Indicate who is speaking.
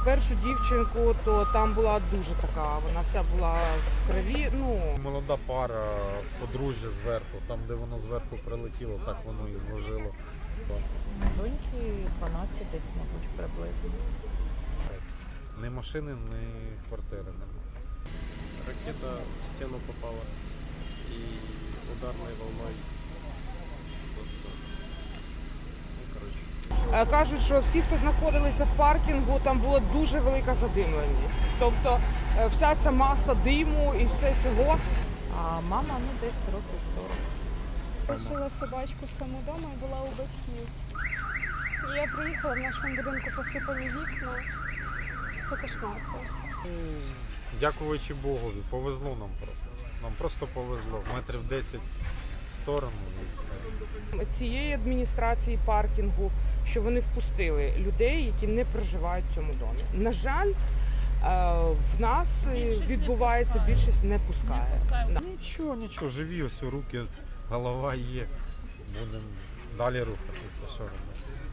Speaker 1: першу дівчинку, то там була дуже така, вона вся була в крові.
Speaker 2: Молода пара, подружжя зверху, там де воно зверху прилетіло, так воно і зложило.
Speaker 3: Доньки 12 десь, мабуть, приблизно.
Speaker 2: Ні машини, ні квартири немає.
Speaker 4: Ракета в стену попала и ударной волной просто,
Speaker 1: Кажуть, що всі, хто знаходилися в паркінгу, там була дуже велика задимленість. Тобто вся ця маса диму і все цього.
Speaker 3: А мама, десь років 40.
Speaker 5: Лишила собачку в самому дому і була у батьків. І я приїхала, в нашому будинку посипані вікна. Це кошмар просто.
Speaker 2: Дякуючи Богові, повезло нам просто. Нам просто повезло. Метрів 10 в сторону і все.
Speaker 1: Цієї адміністрації паркінгу, що вони впустили людей, які не проживають в цьому домі. На жаль, в нас відбувається, більшість не пускає.
Speaker 2: Нічого, живі ось руки, голова є. Будемо далі рухатися, що робити.